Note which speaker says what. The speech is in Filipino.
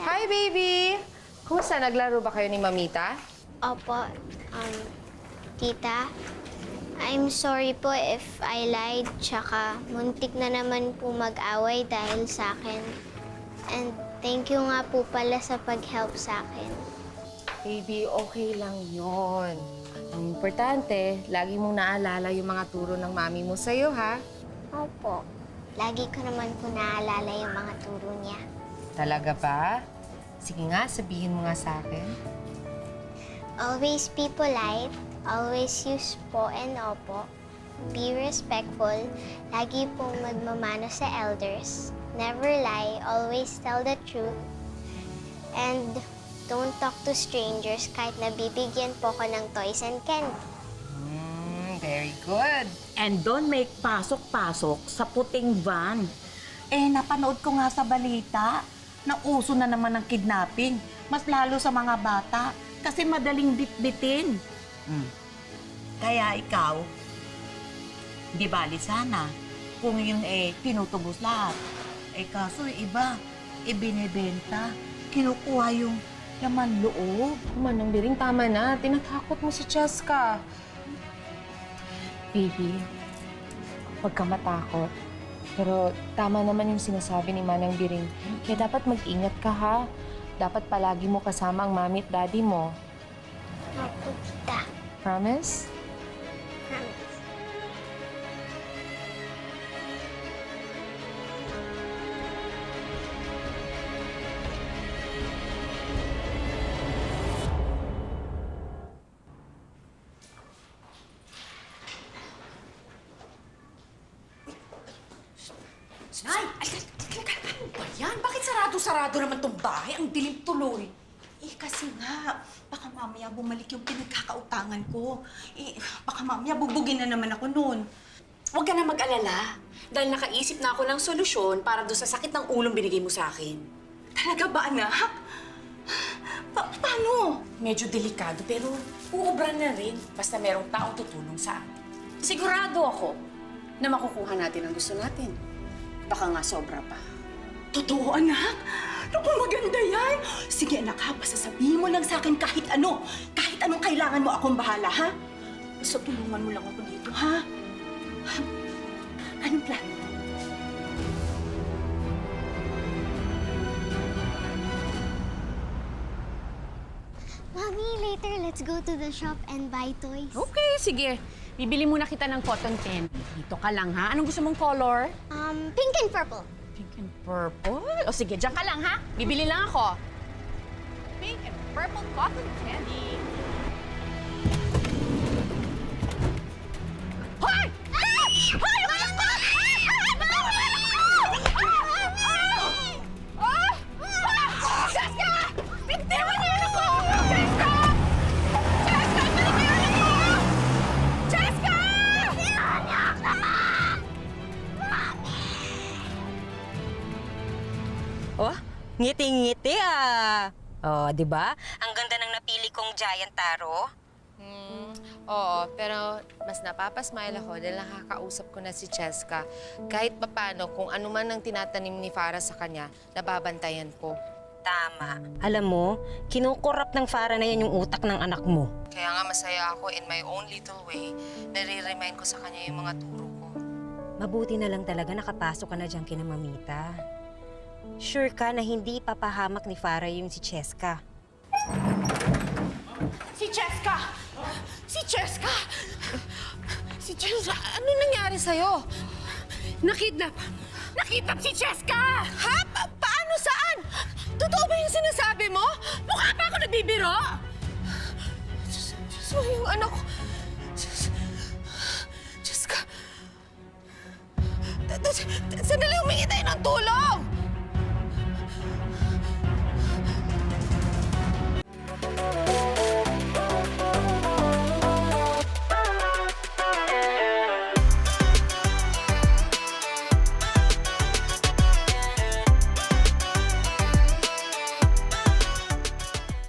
Speaker 1: Hi, baby! Kumusta? Naglaro ba kayo ni Mamita?
Speaker 2: Opo, tita. I'm sorry po if I lied, tsaka muntik na naman po mag-away dahil sa akin. And thank you nga po pala sa pag-help sa akin.
Speaker 1: Baby, okay lang yon. Ang importante, lagi mong naalala yung mga turo ng mami mo sa'yo, ha?
Speaker 2: Opo, lagi ko naman po naalala yung mga turo niya.
Speaker 1: Talaga ba? Sige nga, sabihin mo nga sa akin.
Speaker 2: Always be polite, always use po and opo, be respectful, lagi pong magmamano sa elders, never lie, always tell the truth, and don't talk to strangers kahit nabibigyan po ko ng toys and candy.
Speaker 1: Very good.
Speaker 3: And don't make pasok-pasok sa puting van. Napanood ko nga sa balita na uso na naman ng kidnapping. Mas lalo sa mga bata kasi madaling bitbitin. Kaya ikaw, di bali sana kung yun tinutubos lahat. Kaso iba, binibenta, kinukuha yung laman loob.
Speaker 1: Manang Biring, tama na. Tinatakot mo si Cheska. Baby, huwag ka matakot. Pero tama naman yung sinasabi ni Manang Biring. Kaya dapat mag-ingat ka, ha? Dapat palagi mo kasama ang mami at daddy mo.
Speaker 2: Opo, tita.
Speaker 1: Promise?
Speaker 2: Promise.
Speaker 4: Nay! Ano ba yan? Bakit sarado-sarado naman tong bahay? Ang dilim tuloy.
Speaker 5: Kasi nga, baka mamaya bumalik yung pinagkakautangan ko. Baka mamaya bubugin na naman ako noon.
Speaker 4: Huwag ka na mag-alala. Dahil nakaisip na ako ng solusyon para doon sa sakit ng ulong binigay mo sa akin.
Speaker 5: Talaga ba, anak? Paano?
Speaker 4: Medyo delikado pero uubra na rin basta merong taong tutulong sa atin. Sigurado ako na makukuha natin ang gusto natin. Baka nga sobra pa.
Speaker 5: Totoo, anak? Naku, maganda yan. Sige, anak, ha? Basta sabihin mo lang sa akin kahit ano. Kahit anong kailangan mo, akong bahala, ha? Basta tulungan mo lang ako dito, ha? Anong plan?
Speaker 2: Mommy, later let's go to the shop and buy toys.
Speaker 6: Okay, sige. Bibili muna kita ng cotton candy. Dito ka lang, ha? Anong gusto mong color?
Speaker 2: Pink and purple.
Speaker 6: Pink and purple? O sige, dyan ka lang, ha? Bibili lang ako. Pink and purple cotton candy. Hoy! Hoy! Umalis ka! Jessica! Bintiwan niyo yun ako! Jessica! Jessica! Balik niyo yun ako! Jessica!
Speaker 7: Oh, ngiti-ngiti ah. Oh, 'di ba? Ang ganda ng napili kong giant taro.
Speaker 1: Oo, pero mas napapasmile ako dahil nakakausap ko na si Cheska. Kahit papano, kung ano man ang tinatanim ni Farah sa kanya, nababantayan ko.
Speaker 7: Tama. Alam mo, kinukurap ng Farah na yan yung utak ng anak mo.
Speaker 1: Kaya nga masaya ako in my own little way, nare-remind ko sa kanya yung mga turo ko.
Speaker 7: Mabuti na lang talaga nakapasok ka na dyan kina Mamita. Sure ka na hindi papahamak ni Farah yung si Cheska.
Speaker 4: Si Cheska! Si Cheska!
Speaker 1: Si Cheska, ano nangyari sa'yo?
Speaker 6: Nakidnap! Nakidnap si Cheska!
Speaker 1: Ha? Paano? Saan? Totoo ba yung sinasabi mo?
Speaker 6: Mukha pa ako nagbibiro!
Speaker 1: Diyos mo, yung anak ko. Cheska. Sandali, humingi tayo ng tulong!